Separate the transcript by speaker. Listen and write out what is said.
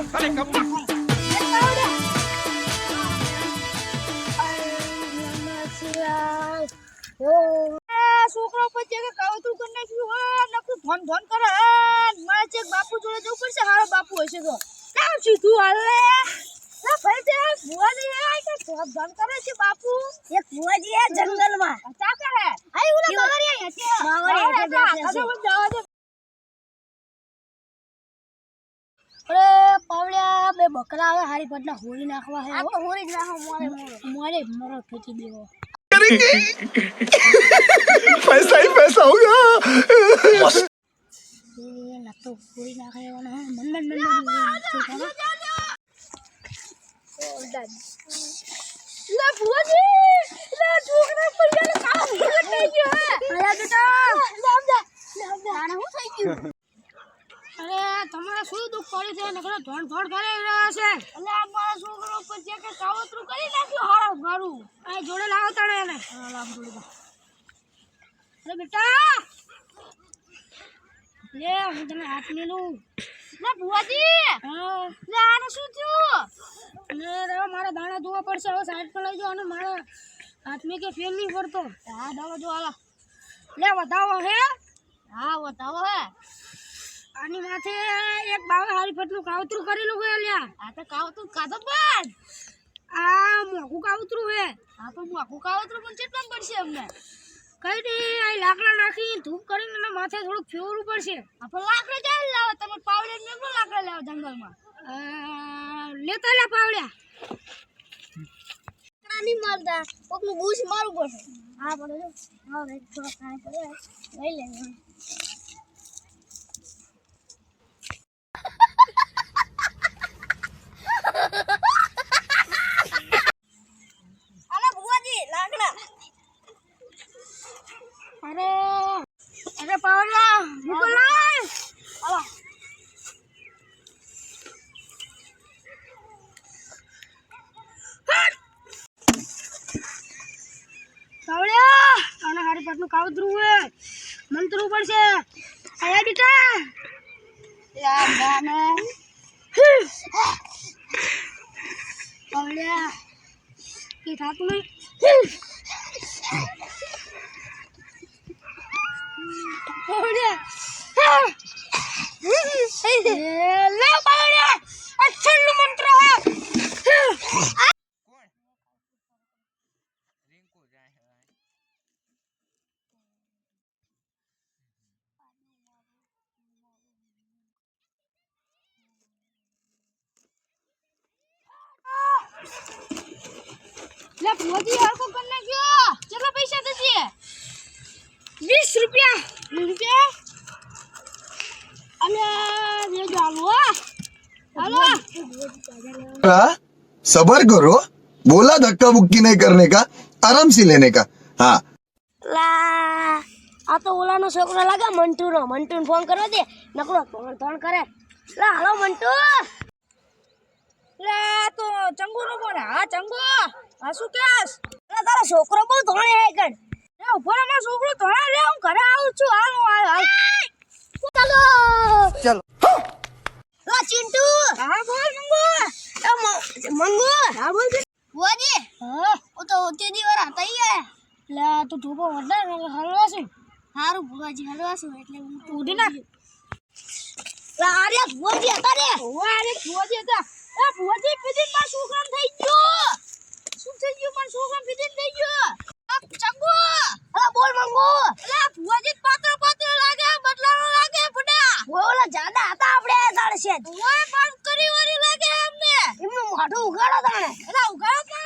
Speaker 1: અરે કપૂર
Speaker 2: છોકરો પછી કે કાવતું કરી નાખ્યું હોય નકરું ધોન ધોન કરે મારે ચેક બાપુ જોડે જવું પડશે હારો બાપુ હશે તો કેમ સીધું હાલે ના ભાઈ તે ભુવાજી આય કે ધોન ધોન કરે છે બાપુ એક ભુવાજી હે જંગલમાં ચા કરે આય ઉલા બાવરિયા હે બાવરિયા હે અરે પાવળિયા બે બકરા આવે હારી પટના હોરી નાખવા હે આ તો હોરી જ નાખો મોરે મરો ફેંકી દેવો
Speaker 1: पैसा ही पैसा होगा
Speaker 2: ये ना तो कोई ना खाए वाला है मन ले बुआजी ले छोकरा पर ये काम થઈ ગયો હે આયા બેટા આને હું થઈ ગયું અરે તમારે શું દુખ પડ્યું છે નકરો ધોણ ધોણ કરે રહ્યા છે એટલે આ મારા છોકરો પર જે કે કાવતરું કરી નાખ્યું હારો ગારું આ જોડે લાવો તણે એને લાવ જોડે અરે બેટા લે હું તને હાથ મેલું લે ભુવાજી હા લે આને શું થયું લે રે મારા દાણા ધોવા પડશે હવે સાઈડ પર લઈ જાઓ અને મારા હાથ મે કે ફેલ નહીં પડતો હા દાવા જો આલા લે વધાવો હે હા વધાવો હે આની માથે એક બાવા હારી ફટનું કાવતરું કરેલું હે લ્યા આ તો કાવતરું કાધો પણ આ મોકું કાવતરું હે આ તો મોકું કાવતરું પણ કેટલા પડશે અમને કઈ નહીં આ લાકડા નાખી ધૂપ કરીને એના માથે થોડુંક ફેરવું પડશે આપણે લાકડા ક્યાં લાવો તમે પાવડે ને લાકડા લાવો જંગલમાં લેતા લે પાવડ્યા લાકડા નહીં મારતા કોકનું બૂસ મારવું પડશે હા પડે હા રે થોડા ખાય પડે લઈ લે આલા ભુવાજી લાકડા અરે પાવડિયા નિકોલ લાય આલા પાવડિયા આના હારી પાટનું કાવતરું હે મંતરું પડશે આયા બેટા યા ગાને પાવડિયા કે થાતું નહીં ले पावड़िया अच्छा मंत्र है
Speaker 3: कौन रिंकू जाए है
Speaker 2: ले भुवाजी यार को करने क्यों चलो पैसा दीजिए 20 रुपया 20 रुपया अरे ये डालो हेलो
Speaker 4: सबर करो बोला धक्का मुक्की नहीं करने का आराम से लेने का हाँ
Speaker 2: લા આ તો ઓલાનો છોકરો લાગે મંટુનો ફોન કરવા દે નકરો ધોણ કરે લા હાલો મંટુ લે તો ચંગુનો ફોન હા ચંગુ આ શું કેસ લે તારો છોકરો બહુ ધોણે હે કણ એ ઉપર માં છોકરો ધોણે રે હું ઘરે આવું છું હાલ ચાલો
Speaker 4: चलो
Speaker 2: લા ચિંટુ હા બોલ મંગુ હા બોલ ભુવાજી હા ઓ તો તે દીવાર હતા યાર લે તું ધોબો વડા હલવા છું હારું ભુવાજી હલવા છું એટલે હું ઉડી નાખ લા આરે ભુવાજી હતા રે ઓવા આરે ભુવાજી હતા એ ભુવાજી પીધી માં શું કામ થઈ ગયું શું થઈ ગયું માં શું કામ પીધી થઈ ગયું આ ચંગુ અલા બોલ મંગુ અલા ભુવાજી પાત્ર લાગે બદલાનો લાગે ફડા ઓલા જાડા હતા આપણે તાળશે ઓય પાસ કરી વારી લાગે અમને એમનું મોઢું ઉગાડો તાણે એલા ઉગાડો